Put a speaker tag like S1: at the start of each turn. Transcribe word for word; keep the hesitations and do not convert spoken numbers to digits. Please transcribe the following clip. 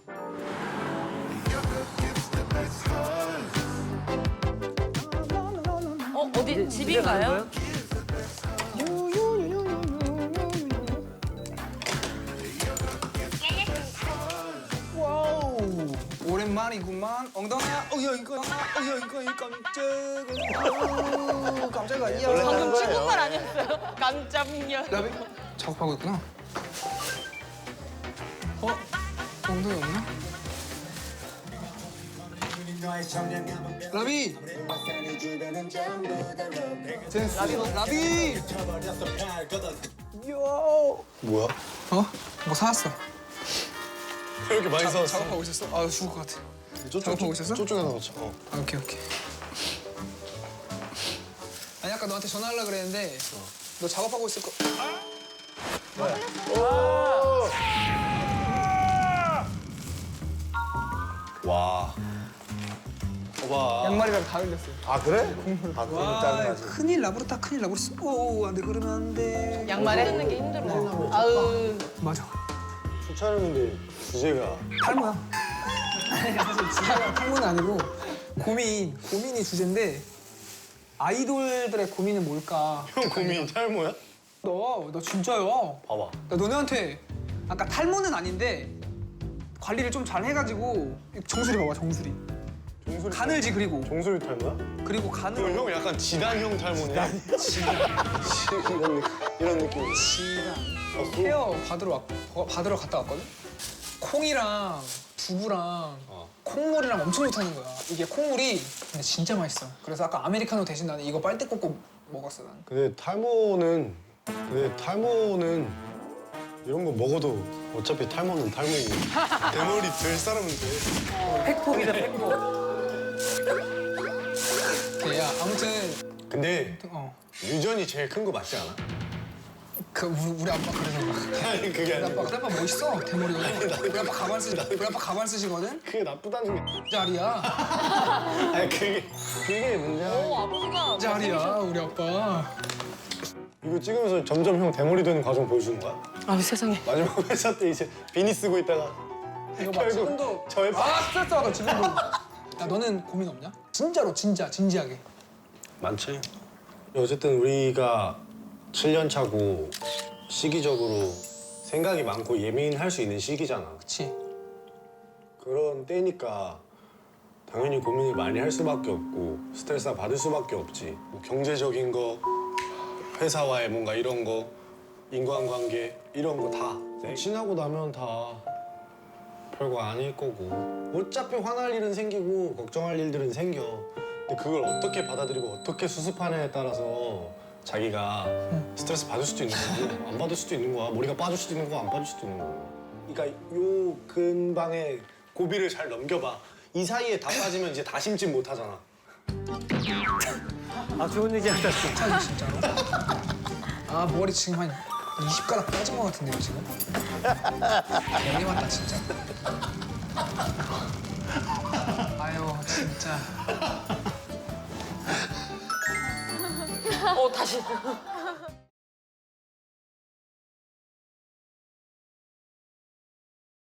S1: 어, 어디 집인가요?
S2: 와우 오랜만이구만. 엉덩이야. 어야 이거 어야 이거 이 깜짝은 아우 깜짝이야.
S1: 방금 중국말 아니었어요? 깜짝이야.
S2: 라비 작업하고 있구나. 어? 엉덩이 없나? 라비! 센스. 라비 라비! 요!
S3: 뭐야?
S2: 어? 뭐 사왔어.
S3: 왜 이렇게 많이 사왔어?
S2: 작업하고 있었어? 아 죽을 것 같아.
S3: 저쪽,
S2: 작업하고 있었어?
S3: 저쪽에 넣자. 어.
S2: 아, 오케이 오케이. 아니 아까 너한테 전화하려고 그랬는데 너 작업하고 있을 거.
S3: 와. 봐봐.
S2: 양말이랑 다 흘렸어요.
S3: 아 그래? 아 그럼
S2: 와
S3: 짜증나지.
S2: 큰일 나버렸다 큰일 나버렸어. 오 안돼 그러면 안 돼.
S1: 양말에 쓰는 게 힘들어. 아우.
S2: 맞아.
S3: 촬영인데 주제가
S2: 탈모야. 아니 사실 주제가 탈모는 아니고 고민 고민이 주제인데 아이돌들의 고민은 뭘까?
S3: 형 고민 탈모야?
S2: 너 너 진짜야.
S3: 봐봐.
S2: 나 너네한테 아까 탈모는 아닌데 관리를 좀 잘 해가지고 정수리 봐봐 정수리.
S3: 종소리
S2: 가늘지 그리고
S3: 종소리 탈모야?
S2: 그리고
S3: 그럼
S2: 가늘.
S3: 형 약간 지단형 탈모네. 이런 느낌. 이런 느낌.
S2: 지가
S3: 어, 소-
S2: 헤어 받으러 왔, 어, 받으러 갔다 왔거든? 콩이랑 두부랑
S3: 어.
S2: 콩물이랑 엄청 좋다는 거야. 이게 콩물이 근데 진짜 맛있어. 그래서 아까 아메리카노 대신 나는 이거 빨대 꽂고 먹었어 난.
S3: 근데 탈모는 근데 탈모는 이런 거 먹어도 어차피 탈모는 탈모이고 대머리 될 사람은 돼.
S2: 팩폭이다 팩폭. 야 아무튼
S3: 근데
S2: 어.
S3: 유전이 제일 큰 거 맞지 않아?
S2: 그 우리, 우리 아빠 그래서 그래.
S3: 아니 그게
S2: 우리
S3: 아니라
S2: 아빠 우리 아빠 멋있어 대머리가. 우리 아빠 가발 쓰 우리 아빠 가발 쓰시거든.
S3: 그게 나쁘다는 게
S2: 짤이야.
S3: 아니 그게 그게 문제야.
S1: 오, 아버지가.
S2: 짤이야 우리 아빠.
S3: 이거 찍으면서 점점 형 대머리 되는 과정 보여주는 거야?
S1: 아, 세상에.
S3: 마지막 회사 때 이제 비니 쓰고 있다가
S2: 이거 봐
S3: 결국
S2: 지금도
S3: 저의
S2: 아 스트레스 받아 지금도. 야 너는 고민 없냐? 진짜로 진짜 진지하게.
S3: 많지. 어쨌든 우리가 칠 년 차고 시기적으로 생각이 많고 예민할 수 있는 시기잖아.
S2: 그치?
S3: 그런 때니까 당연히 고민을 많이 할 수밖에 없고 스트레스 받을 수밖에 없지. 뭐 경제적인 거, 회사와의 뭔가 이런 거, 인간관계 이런 거 다. 지나고 나면 다 별거 아닐 거고 어차피 화날 일은 생기고 걱정할 일들은 생겨. 근데 그걸 어떻게 받아들이고 어떻게 수습하냐에 따라서 자기가 스트레스 받을 수도 있는 거고 안 받을 수도 있는 거야. 머리가 빠질 수도 있는 거고 안 빠질 수도 있는 거고. 그러니까 요 근방에 고비를 잘 넘겨봐. 이 사이에 다 빠지면 이제 다 심진 못하잖아.
S4: 아 좋은 얘기한다.
S2: 진짜 진짜로? 아 머리 지금 한 이십 가닥 빠진 것 같은데요 지금? 괜히 왔다 진짜. 아유 진짜.
S1: 어, 다시.